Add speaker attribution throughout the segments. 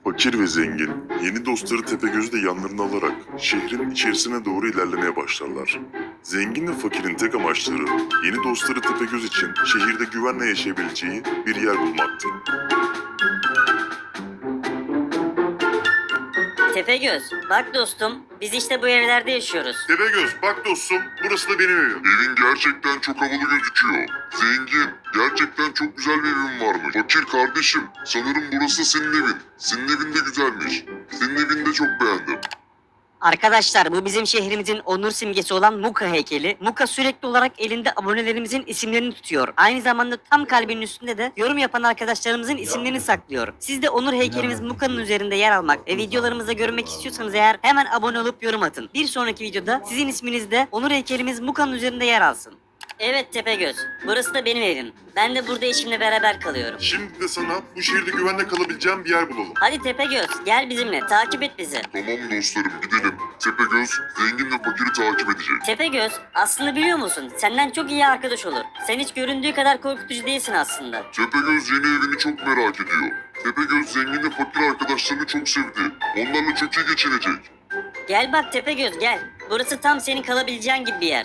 Speaker 1: Fakir ve zengin, yeni dostları Tepegöz'ü de yanlarına alarak şehrin içerisine doğru ilerlemeye başlarlar. Zengin ve fakirin tek amaçları, yeni dostları Tepegöz için şehirde güvenle yaşayabileceği bir yer bulmaktı.
Speaker 2: Tepegöz, bak dostum, biz işte bu evlerde yaşıyoruz.
Speaker 1: Tepegöz, bak dostum, burası da benim evim. Evin gerçekten çok havalı gözüküyor. Zengin, gerçekten çok güzel bir evin varmış. Fakir kardeşim, sanırım burası da senin evin. Senin evin de güzelmiş. Senin evini de çok beğendim.
Speaker 2: Arkadaşlar, bu bizim şehrimizin onur simgesi olan Muka heykeli. Muka sürekli olarak elinde abonelerimizin isimlerini tutuyor. Aynı zamanda tam kalbinin üstünde de yorum yapan arkadaşlarımızın isimlerini saklıyor. Siz de onur heykelimiz Muka'nın üzerinde yer almak ve videolarımızda görmek istiyorsanız eğer hemen abone olup yorum atın. Bir sonraki videoda sizin isminiz de onur heykelimiz Muka'nın üzerinde yer alsın. Evet Tepegöz, burası da benim evim. Ben de burada eşimle beraber kalıyorum.
Speaker 1: Şimdi de sana bu şehirde güvenle kalabileceğim bir yer bulalım.
Speaker 2: Hadi Tepegöz, gel bizimle, takip et bizi.
Speaker 1: Tamam dostlarım, gidelim. Tepegöz, zengin ve fakiri takip edecek.
Speaker 2: Tepegöz, aslında biliyor musun? Senden çok iyi arkadaş olur. Sen hiç göründüğü kadar korkutucu değilsin aslında.
Speaker 1: Tepegöz yeni evini çok merak ediyor. Tepegöz zengin ve fakir arkadaşlarını çok sevdi. Onlarla çok iyi geçinecek.
Speaker 2: Gel bak Tepegöz gel. Burası tam senin kalabileceğin gibi bir yer.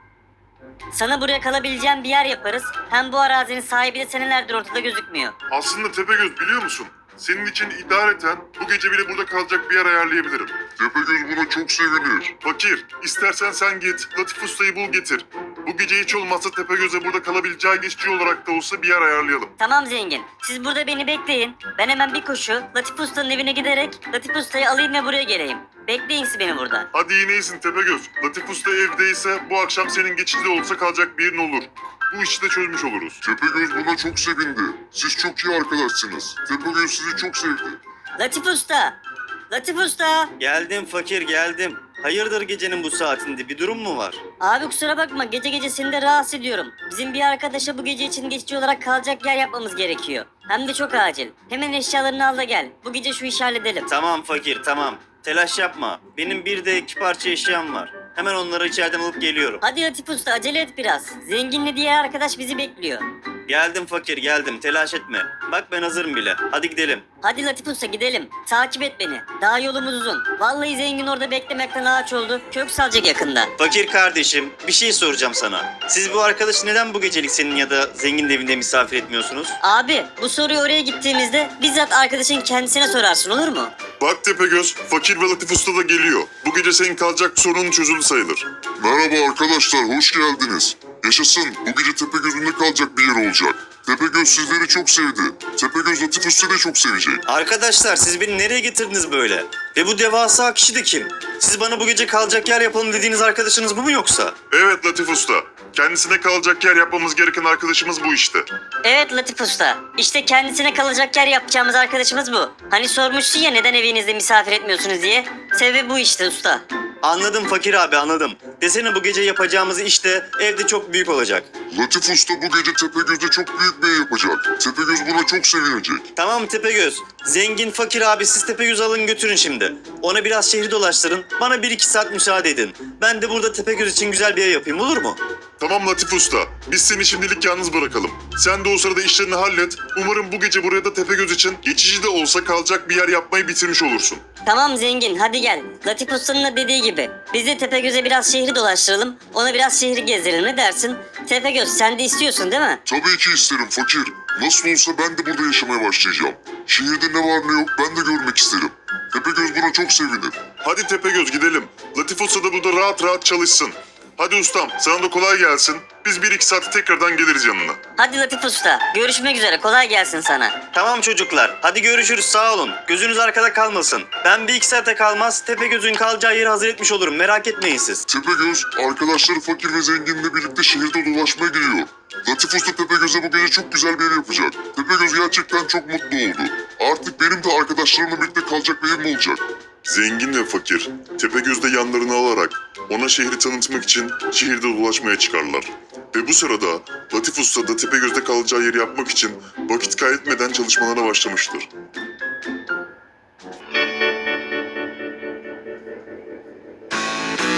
Speaker 2: Sana buraya kalabileceğin bir yer yaparız. Hem bu arazinin sahibi de senelerdir ortada gözükmüyor.
Speaker 1: Aslında Tepegöz biliyor musun? Senin için idareten bu gece bile burada kalacak bir yer ayarlayabilirim. Tepegöz buna çok sevinir. Fakir, istersen sen git, Latif Usta'yı bul getir. Bu gece hiç olmazsa Tepegöz'e burada kalabileceği geçici olarak da olsa bir yer ayarlayalım.
Speaker 2: Tamam zengin. Siz burada beni bekleyin. Ben hemen bir koşu Latif Usta'nın evine giderek Latif Usta'yı alayım ve buraya geleyim. Bekleyin siz beni burada.
Speaker 1: Hadi yine iyisin Tepegöz. Latif Usta evdeyse bu akşam senin geçici de olsa kalacak bir yerin olur. Bu işi de çözmüş oluruz. Tepegöz buna çok sevindi. Siz çok iyi arkadaşsınız. Tepegöz sizi çok sevdi.
Speaker 2: Latif Usta! Latif Usta!
Speaker 3: Geldim fakir geldim. Hayırdır gecenin bu saatinde bir durum mu var?
Speaker 2: Abi kusura bakma gece gece seni de rahatsız ediyorum. Bizim bir arkadaşa bu gece için geçici olarak kalacak yer yapmamız gerekiyor. Hem de çok acil. Hemen eşyalarını al da gel. Bu gece şu işi halledelim.
Speaker 3: Tamam fakir tamam. Telaş yapma. Benim bir de iki parça eşyam var. Hemen onları içeriden alıp geliyorum.
Speaker 2: Hadi Latif Usta acele et biraz. Zenginle diğer arkadaş bizi bekliyor.
Speaker 3: Geldim fakir geldim. Telaş etme. Bak ben hazırım bile. Hadi gidelim.
Speaker 2: Hadi Latif Usta gidelim. Takip et beni. Daha yolumuz uzun. Vallahi zengin orada beklemekten ağaç oldu. Kök salacak yakında.
Speaker 3: Fakir kardeşim bir şey soracağım sana. Siz bu arkadaşı neden bu gecelik senin ya da zengin evinde misafir etmiyorsunuz?
Speaker 2: Abi bu soruyu oraya gittiğimizde bizzat arkadaşın kendisine sorarsın olur mu?
Speaker 1: Bak Tepegöz, Fakir ve Latif Usta da geliyor. Bu gece senin kalacak sorunun çözüldü sayılır. Merhaba arkadaşlar, hoş geldiniz. Yaşasın, bu gece Tepegöz'ünde kalacak bir yer olacak. Tepegöz sizleri çok sevdi. Tepegöz Latif Usta'yı da çok sevecek.
Speaker 3: Arkadaşlar siz beni nereye getirdiniz böyle? Ve bu devasa kişi de kim? Siz bana bu gece kalacak yer yapalım dediğiniz arkadaşınız bu mu yoksa?
Speaker 1: Evet Latif Usta, kendisine kalacak yer yapmamız gereken arkadaşımız bu işte.
Speaker 2: Evet Latif Usta. İşte kendisine kalacak yer yapacağımız arkadaşımız bu. Hani sormuşsun ya neden evinizde misafir etmiyorsunuz diye. Sebebi bu işte usta.
Speaker 3: Anladım fakir abi anladım. Desene bu gece yapacağımız iş de evde çok büyük olacak.
Speaker 1: Latif Usta bu gece Tepegöz'de çok büyük bir ev yapacak. Tepegöz buna çok sevinecek.
Speaker 3: Tamam Tepegöz. Zengin fakir abi siz Tepegöz'ü alın götürün şimdi. Ona biraz şehri dolaştırın. Bana 1-2 saat müsaade edin. Ben de burada Tepegöz için güzel bir ev yapayım olur mu?
Speaker 1: Tamam Latif Usta, biz seni şimdilik yalnız bırakalım. Sen de o sırada işlerini hallet. Umarım bu gece buraya da Tepegöz için geçici de olsa kalacak bir yer yapmayı bitirmiş olursun.
Speaker 2: Tamam zengin hadi gel. Latif Usta'nın da dediği gibi. Biz de Tepegöz'e biraz şehri dolaştıralım. Ona biraz şehri gezdirelim ne dersin? Tepegöz sen de istiyorsun değil mi?
Speaker 1: Tabii ki isterim fakir. Nasıl olsa ben de burada yaşamaya başlayacağım. Şehirde ne var ne yok ben de görmek isterim. Tepegöz buna çok sevinir. Hadi Tepegöz gidelim. Latif Usta da burada rahat rahat çalışsın. Hadi ustam sana da kolay gelsin. Biz 1-2 saate tekrardan geliriz yanına.
Speaker 2: Hadi Latif Usta. Görüşmek üzere. Kolay gelsin sana.
Speaker 3: Tamam çocuklar. Hadi görüşürüz sağ olun. Gözünüz arkada kalmasın. Ben 1-2 saate kalmaz Tepegöz'ün kalacağı yeri hazır etmiş olurum. Merak etmeyin siz.
Speaker 1: Tepegöz arkadaşları fakir ve zenginle birlikte şehirde dolaşmaya gidiyor. Latif Usta Tepegöz'e bu gece çok güzel bir yer yapacak. Tepegöz gerçekten çok mutlu oldu. Artık benim de arkadaşlarımla birlikte kalacak bir yerim olacak. Zengin ve fakir Tepegöz'de yanlarına alarak ona şehri tanıtmak için şehirde dolaşmaya çıkarlar. Ve bu sırada Latif Usta da Tepegöz'de kalacağı yeri yapmak için vakit kaybetmeden çalışmalarına başlamıştır.